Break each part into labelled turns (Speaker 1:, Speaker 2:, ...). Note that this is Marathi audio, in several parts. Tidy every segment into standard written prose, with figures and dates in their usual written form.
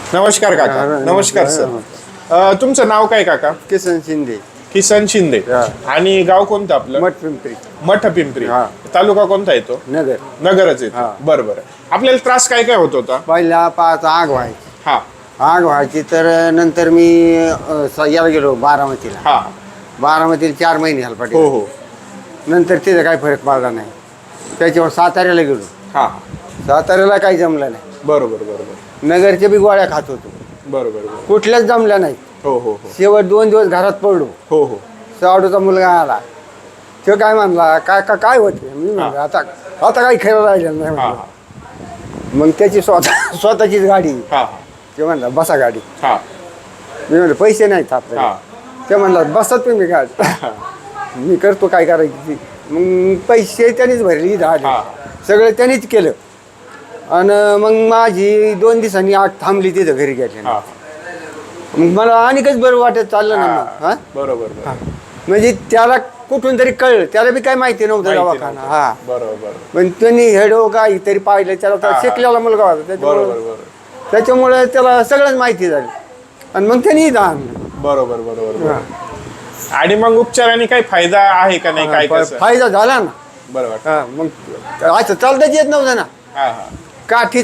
Speaker 1: नमस्कार काका. नमस्कार सर. तुमचं नाव काय काका?
Speaker 2: किसन शिंदे.
Speaker 1: किसन शिंदे. आणि गाव कोणतं आपलं?
Speaker 2: मठ पिंपरी.
Speaker 1: मठ पिंपरी. तालुका कोणता येतो?
Speaker 2: नगर.
Speaker 1: नगरच येतो. बरं बरं. आपल्याला त्रास काय काय होत होता?
Speaker 2: पहिला पाच आग व्हायची.
Speaker 1: हा
Speaker 2: आग व्हायची तर नंतर मी याला गेलो बारामतीला.
Speaker 1: हा.
Speaker 2: बारामतीला 4 महिने
Speaker 1: हो
Speaker 2: हलपाटी.
Speaker 1: हो.
Speaker 2: नंतर तिथं काही फरक पडला नाही. त्याच्यावर साताऱ्याला गेलो.
Speaker 1: हा.
Speaker 2: साताऱ्याला काही जमलं नाही.
Speaker 1: बरोबर बरोबर
Speaker 2: नगरच्या बी गोळ्या खात होतो.
Speaker 1: बरोबर बरोबर.
Speaker 2: कुठल्याच जमल्या नाही.
Speaker 1: हो हो हो
Speaker 2: शेवट 2 दिवस घरात पडलो.
Speaker 1: हो हो.
Speaker 2: सावडूचा मुलगा आला. तो काय म्हणला काय होते? मी म्हणलं आता काही खरं राहिलं नाही
Speaker 1: हा
Speaker 2: म्हणलं. मग त्याची स्वतःचीच गाडी.
Speaker 1: हा
Speaker 2: ते म्हणला बसा गाडी.
Speaker 1: हा
Speaker 2: मी म्हणलं पैसे नाहीत आपल्याला.
Speaker 1: हा.
Speaker 2: ते म्हणला बसत तुम्ही गाडी. मी करतो काय करायची ती. मग पैसे त्यांनीच भरले झाले.
Speaker 1: हा.
Speaker 2: सगळं त्यांनीच केलं. आणि मग माझी 2 दिवसांनी आग थांबली तिथं घरी गेली.
Speaker 1: हा.
Speaker 2: मग मला आणखच बरं वाटत चाललं ना मग. हा
Speaker 1: बरोबर बरोबर.
Speaker 2: म्हणजे त्याला कुठून तरी कळलं. त्याला बी काय माहिती नव्हतं दवाखाना. हा.
Speaker 1: बरोबर बरोबर.
Speaker 2: पण त्यांनी हेडो काहीतरी पाहिलं. त्याला शिकलेला मुलगा होता
Speaker 1: बरोबर बरोबर.
Speaker 2: त्याच्यामुळे त्याला सगळंच माहिती झाली. आणि मग त्यांनी दान.
Speaker 1: बरोबर बरोबर बरोबर. आणि मग उपचाराने काही फायदा आहे का नाही? काय कसं?
Speaker 2: फायदा झाला ना.
Speaker 1: बरोबर.
Speaker 2: हा मग असं चालताच येत नव्हतं ना.
Speaker 1: हा हा.
Speaker 2: काठीच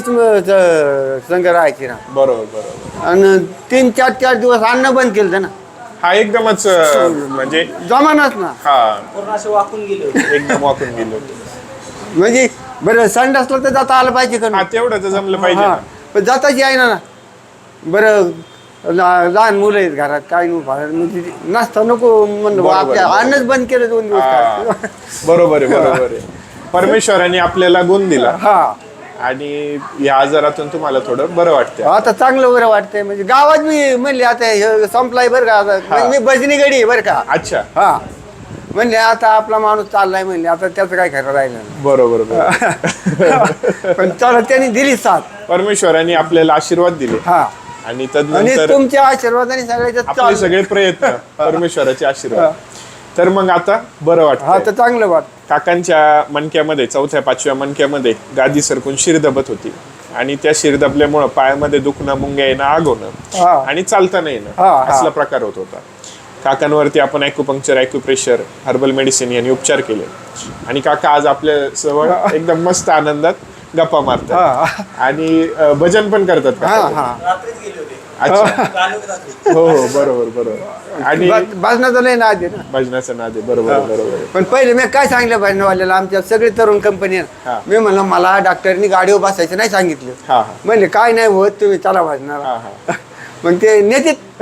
Speaker 2: संग राहायची ना.
Speaker 1: बरोबर बरोबर.
Speaker 2: आणि 3-4 दिवस अन्न बंद केलं ना.
Speaker 1: हा एकदमच म्हणजे
Speaker 2: जमानाच ना.
Speaker 1: हा
Speaker 3: पूर्ण असे वाकून गेले होते.
Speaker 1: एकदम वाकून गेलो.
Speaker 2: म्हणजे बरं संड असलं तर जाता आलं पाहिजे का
Speaker 1: हा
Speaker 2: नाही?
Speaker 1: तेवढं तर जमलं पाहिजे
Speaker 2: हा.
Speaker 1: ना.
Speaker 2: पण जाताच आहे ना. बरं लहान मुलं आहेत घरात काय म्हणजे नसता नको म्हणलं
Speaker 1: बरोबर,
Speaker 2: आपल्या
Speaker 1: बरोबर.
Speaker 2: अन्नच बंद केलं 2 दिवस.
Speaker 1: हा. बरोबर आहे बरोबर आहे. परमेश्वराने आपल्याला गुण दिला
Speaker 2: हा.
Speaker 1: आणि या आजारातून तुम्हाला थोडं बरं वाटतं.
Speaker 2: आता चांगलं बरं वाटतंय. म्हणजे गावात मी म्हणले आता हे संपलाय बरं का. आता म्हणजे मी भजनी गडी बरं का.
Speaker 1: अच्छा.
Speaker 2: हा म्हणले आता आपला माणूस चाललाय म्हणले आता त्याचं काय खरं राहिलं नाही.
Speaker 1: बरोबर बरोबर.
Speaker 2: पण चला त्यांनी दिली साथ.
Speaker 1: परमेश्वराने आपल्याला आशीर्वाद दिले
Speaker 2: हा.
Speaker 1: आणि
Speaker 2: आणि
Speaker 1: तदनंतर
Speaker 2: तुमच्या आशीर्वादाने सगळ्याच्यात
Speaker 1: आपले
Speaker 2: चालू.
Speaker 1: सगळे प्रयत्न परमेश्वराचे आशीर्वाद. तर मग आता बरं
Speaker 2: हा
Speaker 1: वाटतं.
Speaker 2: तर चांगलं वाट.
Speaker 1: काकांच्या मणक्यामध्ये 4थ्या-5व्या मणक्यामध्ये गादी सरकून शिर दबत होती आणि त्या शिर दबल्यामुळं पायामध्ये दुखणं, मुंग्या येणं, आग होणं
Speaker 2: हा.
Speaker 1: आणि चालता नाही येणं
Speaker 2: हा, हा.
Speaker 1: असला प्रकार होत होता. काकांवरती आपण ॲक्युपंक्चर, ॲक्युप्रेशर, हर्बल मेडिसिन यांनी उपचार केले आणि काका आज आपल्या जवळ एकदम मस्त आनंदात गप्पा मारतात
Speaker 2: हा.
Speaker 1: आणि भजन पण करतात
Speaker 2: हा
Speaker 1: काका.
Speaker 2: हा.
Speaker 3: रात्रीच गेले होते.
Speaker 1: अच्छा.
Speaker 3: चालू रात्री.
Speaker 1: हो हो बरोबर बरोबर. आणि
Speaker 2: भाजनाचं लय ना आधी ना.
Speaker 1: भजनाचं नाद आहे. बरोबर बरोबर.
Speaker 2: पण पहिले मी काय सांगितलं भजनवाल्याला आमच्या सगळे तरुण कंपनी
Speaker 1: हा.
Speaker 2: मी म्हणलं मला डॉक्टरनी गाडीवर बसायचं नाही सांगितलं.
Speaker 1: हा हा
Speaker 2: म्हणले काय नाही होत तुम्ही चला भजनाला.
Speaker 1: हा हा.
Speaker 2: मग ते नेतेत.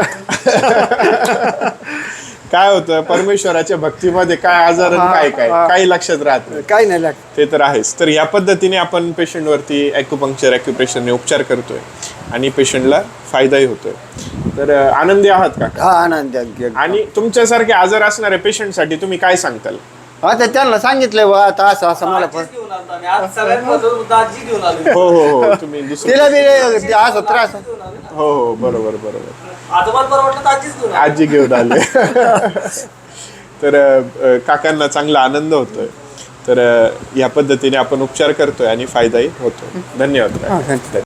Speaker 1: काय होतं परमेश्वराच्या भक्तीमध्ये काय आजार आणि काय काय काही लक्षात राहत नाही.
Speaker 2: काय नाही लागत.
Speaker 1: ते तर आहेच. तर या पद्धतीने आपण पेशंटवरती ॲक्युपंक्चर, ॲक्युप्रेशरने उपचार करतोय आणि पेशंटला फायदाही होतोय. तर आनंदी आहात का?
Speaker 2: हा आनंद आहे.
Speaker 1: आणि तुमच्यासारखे आजार असणाऱ्या पेशंटसाठी तुम्ही काय सांगताल?
Speaker 2: आता त्यांना सांगितलं बा आता असं असं मला पण
Speaker 3: आजीच घेऊन आलतो आम्ही. आज सगळ्यात महत्त्वाचं होतं आजी घेऊन आलो.
Speaker 1: हो हो हो. तुम्ही दुसरं.
Speaker 2: तिला बी असं त्रास.
Speaker 3: घेऊन आलो ना.
Speaker 1: हो हो बरोबर बरोबर.
Speaker 3: आजोबाला बरं वाटलं तर आजीच घेऊन आलो.
Speaker 1: आजी घेऊन आले. तर काकांना चांगला आनंद होतोय. तर या पद्धतीने आपण उपचार करतोय आणि फायदाही होतोय. धन्यवाद.
Speaker 2: हा, धन्यवाद.